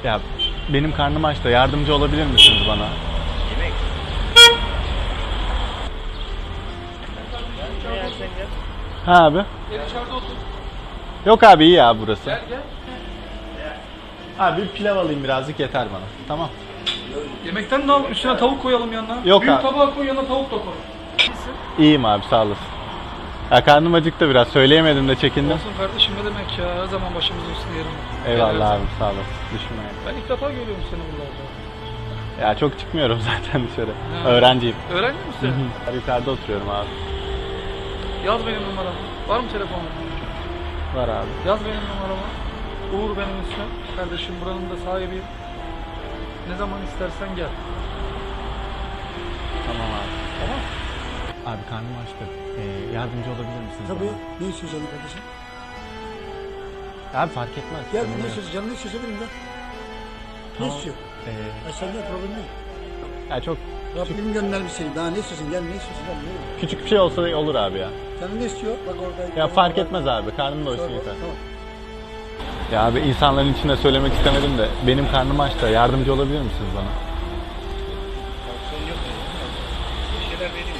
Ya benim karnım aç da yardımcı olabilir misiniz bana? Yemek. Ne yersen gel. Ha abi. Gel içeride otur. Yok abi iyi ya burası. Gel gel. Abi bir pilav alayım birazcık yeter bana. Tamam. Yemekten de al, üstüne tavuk koyalım yanına. Yok Büyük abi. tabağa koy, yanına tavuk da koy. İyisin. İyiyim abi sağ olasın. Ya karnım acıktı biraz söyleyemedim de çekindim. Olsun kardeşim, ne demek ya, her zaman başımızın üstünde yerim var. Eyvallah Her abi sağ olasın. Düşünme. Ben ilk defa görüyorum seni buralarda. Ya çok çıkmıyorum zaten dışarı. Ha. Öğrenciyim. Öğrenci misin? Yukarıda oturuyorum abi. Yaz benim numaramı. Var mı telefonun? Var abi. Yaz benim numaramı. Uğur benim ismim. Kardeşim buranın da sahibiyim. Ne zaman istersen gel. Tamam abi. Tamam. Abi karnım açtı. Yardımcı olabilir misiniz Tabii. bana? Ne istiyorsun canım kardeşim? Abi fark etmez. Gel Sorun ne yok. istiyorsun? Canım ne istiyorsa benim de. Ne Tamam. istiyor? Ee, Sende problem değil. ya çok Rabbim göndermiş seni. Daha ne istiyorsun? Gel ne istiyorsun? Gel ne istiyorsun? küçük bir şey olsa da olur abi ya. Canım ne istiyor? Bak orada. Ya fark etmez abi. Karnım doysun Tamam, yeter. tamam. Ya abi insanların içinde söylemek istemedim de benim karnım aç da yardımcı olabilir misiniz bana? Tansiyon yok. Bir şeyler vereyim.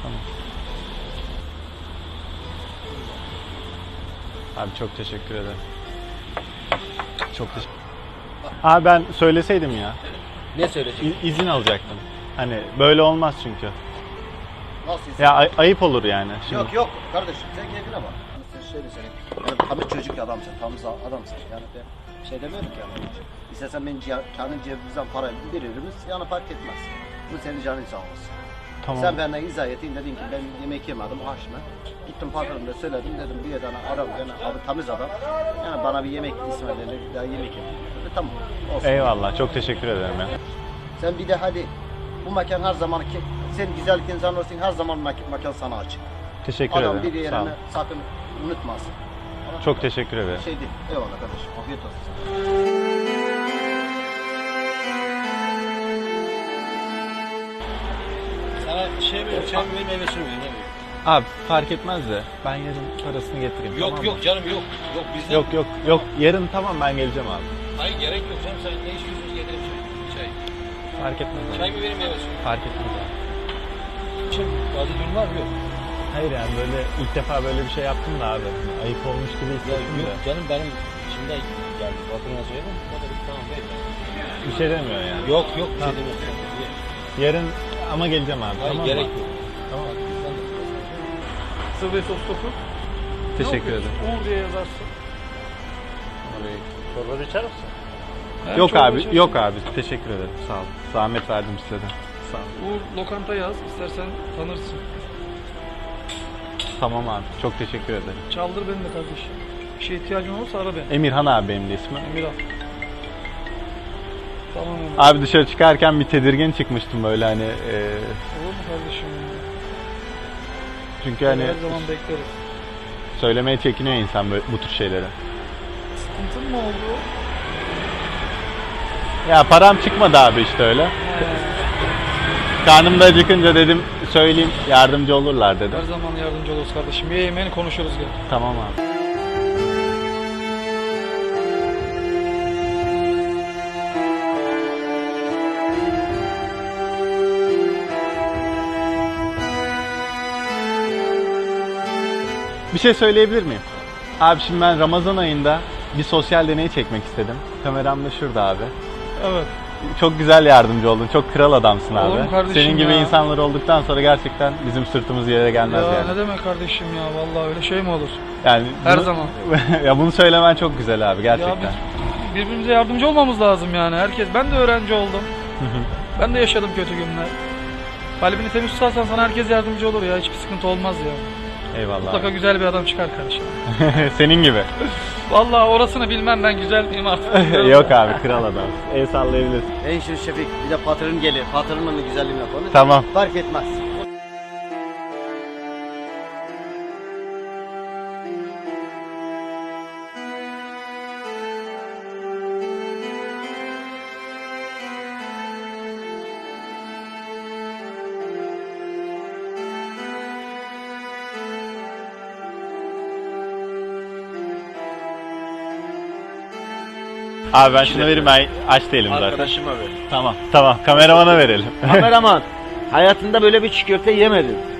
Abi çok teşekkür ederim. Çok teşekkür. Abi ben söyleseydim ya. Ne söyleyeceksin? İzin alacaktım. Hani böyle olmaz çünkü. Nasıl Ya ayıp olur yani. Şimdi. Yok kardeşim sen keyfine bak. Sen şöyle söyleyeyim. Yani tam çocuk adamsın, tam adamsın. Yani ben şey demiyorum ki yani. İstersen ben kendi cebimizden para veririz, yani fark etmez. Bu senin canın sağ olsun. Tamam. Sen benden izah ettin, dedin ki ben yemek yemedim, açma. Gittim patronuma söyledim, dedim bir tane adam, yani abi temiz adam. Yani bana bir yemek ısmarlayın, bir daha yemek yedim. Tamam, olsun. Eyvallah. Çok teşekkür ederim ya. Sen bir de hadi, bu mekan her zaman ki, sen güzellik insan olsun, her zaman mekan sana açık. Teşekkür Adam bir ederim. Sağ yerini olun. sakın unutmasın. Çok teşekkür ederim. Şey değil. Eyvallah kardeşim. Afiyet olsun. Sana şey mi, çay mı, meyvesini mi? Abi fark etmez de ben yarın parasını getireyim. Yok tamam yok mı? canım yok. Yok bizden. Yok. Yarın tamam ben geleceğim abi. Hayır gerek yok canım. Sen ne istiyorsun getirin çay. Fark etmez abi. Çay mı vereyim meyvesi mi? Fark etmez abi. Şimdi bazı durumlar yok. Hayır yani böyle ilk defa böyle bir şey yaptım da abi. Ayıp olmuş gibi hissettim de. canım benim şimdi geldi. Bakımına söyledim. O da bir tamam ver. Bir şey demiyor yani. Yok bir şey Tamam. demiyorum. Yarın ama geleceğim abi. Hayır tamam gerek mı? yok. Tamam. Sıvı ve sos topu. Teşekkür ederim. Uğur diye yazarsın. Çorba içer misin? Hem Yok çorba abi, içersin. yok abi. Teşekkür ederim. Sağ ol. Zahmet verdim size de. Sağ ol. Uğur lokanta yaz, istersen tanırsın. Tamam abi. Çok teşekkür ederim. Çaldır beni de kardeşim. Bir şeye ihtiyacın olursa ara beni. Emirhan abi benim de ismim. Emir al. Tamam Emir. Abi dışarı çıkarken bir tedirgin çıkmıştım böyle hani. Olur mu kardeşim? Çünkü hani Her zaman bekleriz. söylemeye çekiniyor insan böyle bu tür şeyleri. Sıkıntın mı oldu? Ya param çıkmadı abi işte öyle. Karnım da acıkınca dedim söyleyeyim yardımcı olurlar dedim. Her zaman yardımcı oluruz kardeşim. Ye yemeğini konuşuruz gel. Tamam abi. Bir şey söyleyebilir miyim? Abi şimdi ben Ramazan ayında bir sosyal deney çekmek istedim. Kameram da şurada abi. Evet. Çok güzel yardımcı oldun. Çok kral adamsın Olur abi. mu kardeşim Senin gibi ya? insanlar olduktan sonra gerçekten bizim sırtımız yere gelmez Ya yani. ne demek kardeşim ya, vallahi öyle şey mi olur? Yani Her bunu- zaman. ya bunu söylemen çok güzel abi gerçekten. Ya biz birbirimize yardımcı olmamız lazım yani. Herkes, ben de öğrenci oldum. Ben de yaşadım kötü günler. Kalbini temiz tutarsan sana herkes yardımcı olur ya, hiçbir sıkıntı olmaz ya. Eyvallah. Mutlaka abi. güzel bir adam çıkar kardeşim. Senin gibi. Vallahi orasını bilmem, ben güzel miyim artık. Yok abi kral adam. El sallayabilirsin. En şu Şefik bir de patron gelir. Patronun da güzelliğini yapalım. Tamam. Fark etmez. Abi ben şunu vereyim, ben aç değilim zaten. Arkadaşıma ver. Tamam tamam, kameramana verelim. Kameraman, hayatında böyle bir çiğ köfte yemedin.